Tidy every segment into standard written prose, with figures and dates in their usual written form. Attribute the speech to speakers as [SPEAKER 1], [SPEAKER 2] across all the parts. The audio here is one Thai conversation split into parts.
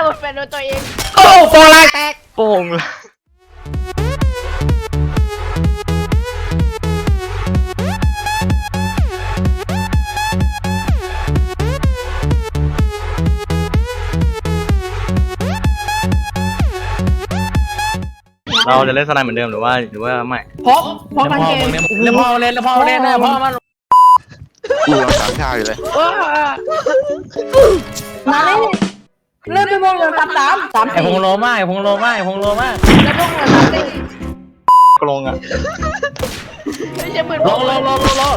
[SPEAKER 1] หมดแฟนโดนตัวเอง
[SPEAKER 2] โอ้โปรลังแตก
[SPEAKER 3] โป่งเลยเราจะเล่นสไนเหมือนเดิมหรือว่าไม่
[SPEAKER 2] พกมันเกมแล้วพอเล่นนะพ่อมัน
[SPEAKER 4] กูรังสามชาอยู่เลย
[SPEAKER 2] มาเล่นไปมองเลยสามไอพงโลมากแล้วพงโลมาก
[SPEAKER 3] กลงอ่ะ
[SPEAKER 1] ไม่ใช่ปืน
[SPEAKER 2] โล
[SPEAKER 1] โคตร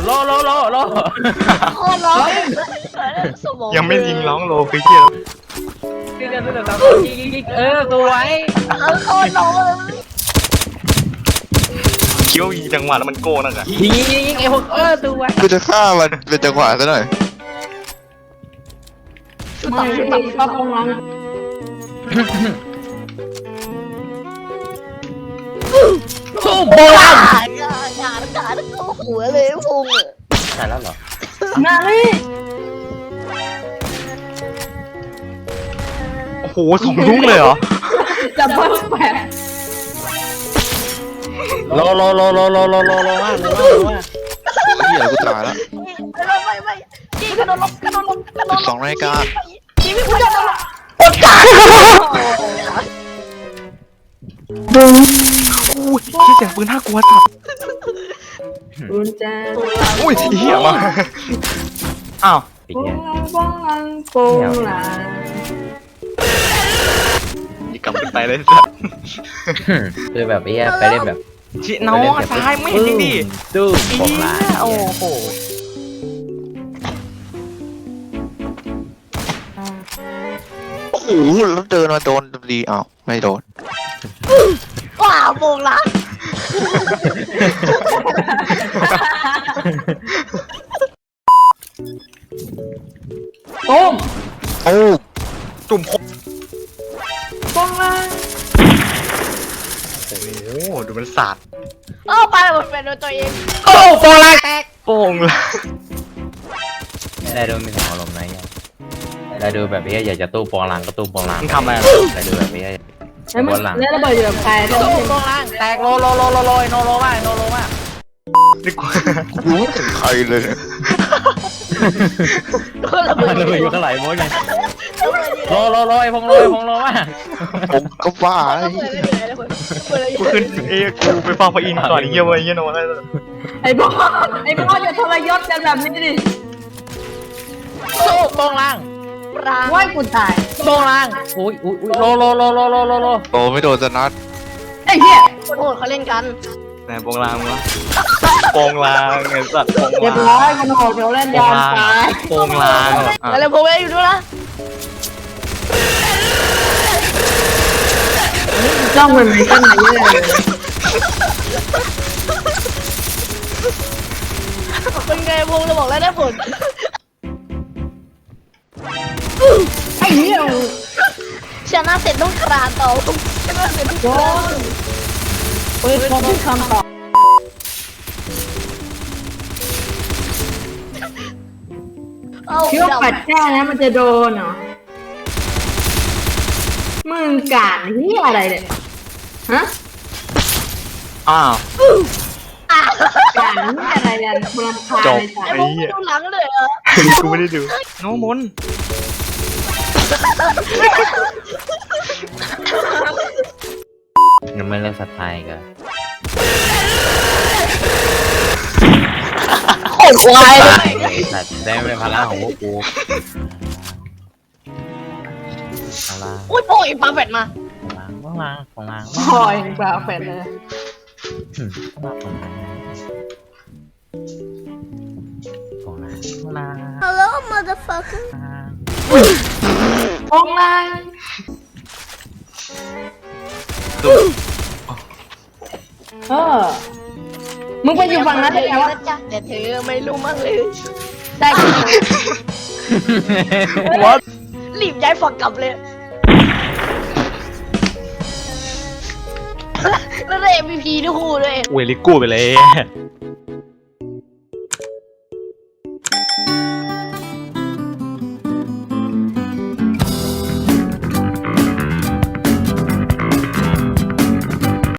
[SPEAKER 1] ร้องสมอง
[SPEAKER 3] ยังไม่ยิงร้องโลคือเชี่ย
[SPEAKER 2] ตัวไว้
[SPEAKER 1] โคตรร้อง
[SPEAKER 3] เคี้ยวยิงจังหวะแล้วมันโก้นั่นอ่ะ
[SPEAKER 2] ยิงไอพวกตัวไว้
[SPEAKER 4] กูจะฆ่ามันเป็นจังหวะซะหน่อย
[SPEAKER 2] ไม่ป้าพงลังโบราณ
[SPEAKER 1] งานเข้าหัวเลยพง
[SPEAKER 2] ใช่แล้วเหรอ
[SPEAKER 1] นาลี
[SPEAKER 3] โอ้โห2 ลูกเลยเหรอ
[SPEAKER 1] จับเบิ้ลแปะ
[SPEAKER 2] โลมาก
[SPEAKER 4] เหี้ยกูตายแล้ว
[SPEAKER 1] ไม่จีกระโดดลง
[SPEAKER 4] 12 นาฬิกา
[SPEAKER 1] จีไม่พูดจะลง
[SPEAKER 3] อุ้ยเสียงปืนน่ากลัวสัตว์
[SPEAKER 1] อุ้ย
[SPEAKER 3] เหี้ยมาอ้าวกลับไปเลยสัตว์
[SPEAKER 2] คือแบบนี้ไปเล่นแบบ
[SPEAKER 3] ชิน้องตายไม่เห็นดิ
[SPEAKER 2] ตู้บอกลา
[SPEAKER 3] โอ้โห
[SPEAKER 4] โอ้โหแล้วเดินมาโดนดีอ้าวไม่โดน
[SPEAKER 1] ว้าวโมงละ
[SPEAKER 2] ตุ้ม
[SPEAKER 4] โอ้
[SPEAKER 3] จุ่ม
[SPEAKER 1] บ้องละ
[SPEAKER 3] โอ้โหดูมันสาด
[SPEAKER 1] ไปหมดแฟนโดนตัวเอง
[SPEAKER 2] โอ้โปรลังแตก
[SPEAKER 3] โป่งเลย
[SPEAKER 2] ได้ดูมีของอารมณ์ไหนได้ดูแบบนี้อยากจะตู้โปรลังก็ตู้โปรลัง
[SPEAKER 3] ทำอะไร
[SPEAKER 2] ได้ดูแบบนี้
[SPEAKER 1] โปรลังแล้วระเบิดอยู่กับใครโปรลัง
[SPEAKER 2] แตกโลโลมาก
[SPEAKER 3] นี่กู
[SPEAKER 4] รู้ถึงใครเลย
[SPEAKER 1] ระเบิด
[SPEAKER 2] อยู่ข้างไหลโม้ยไงโลไอพงโลมาก
[SPEAKER 4] ผมก็บ้า
[SPEAKER 3] กูขึ้นกูไปฟังพระอินทร์ก่อนเยี่ยมเลยเยี่ยโน่ได้เลย
[SPEAKER 1] ไอ้บอสจะทรยศกันแบบนี้ดิ
[SPEAKER 2] สู้โปรลัง
[SPEAKER 1] ว่ากูตาย
[SPEAKER 2] โปรลังอุ้ยโล
[SPEAKER 4] โตไม่โดนจะนัด
[SPEAKER 1] ไอ้เหี้ยคนโหดเขาเล่นกัน
[SPEAKER 3] ไหนโปงลางวะโปงลางไอ้สัตว์
[SPEAKER 1] เรียบร้อยคนโหดเขาเล่นยอมตาย
[SPEAKER 3] โปงลาง
[SPEAKER 1] อะไรพวกนี้อยู่ด้วยนะจ้องมันไม่กันไหนเลยเป็นไงพงเราบอกแล้วได้ผลไอ้เหี้ยชนะเสร็จต้องคลานต่อชนะเสร็จต้องคลานเปิดคำต่อคิดว่าปัดแก้นะมันจะโดนเหรอมึงกาดนี่อะไรเนี่ยฮะกาดนี่อะไรเนี่ยพลังพาเลยจ้ะไอ้พวกไม่ดูหลังเลยเหรอ
[SPEAKER 3] กูไม่ได้ดูน้องมน
[SPEAKER 2] ยังไม่เลิกสัตย์ไทยกัน
[SPEAKER 1] โคตรควาย
[SPEAKER 2] สัตว์ได้เป็นพลังของพวกกู
[SPEAKER 1] อุ้ยโป่งปลาแฟดมา
[SPEAKER 2] ของลาง
[SPEAKER 1] โป่งปลาแฟดเลยHello motherfucker โป่งลางมึงไปอยู่ฝั่งนั้นได้ไงวะแต่เธอไม่รู้มั้งเลยได้รีบย้ายฝั่งกลับเลยแล้วได้ MVP ทุกคู่เลย
[SPEAKER 3] เวลิกูไปเลย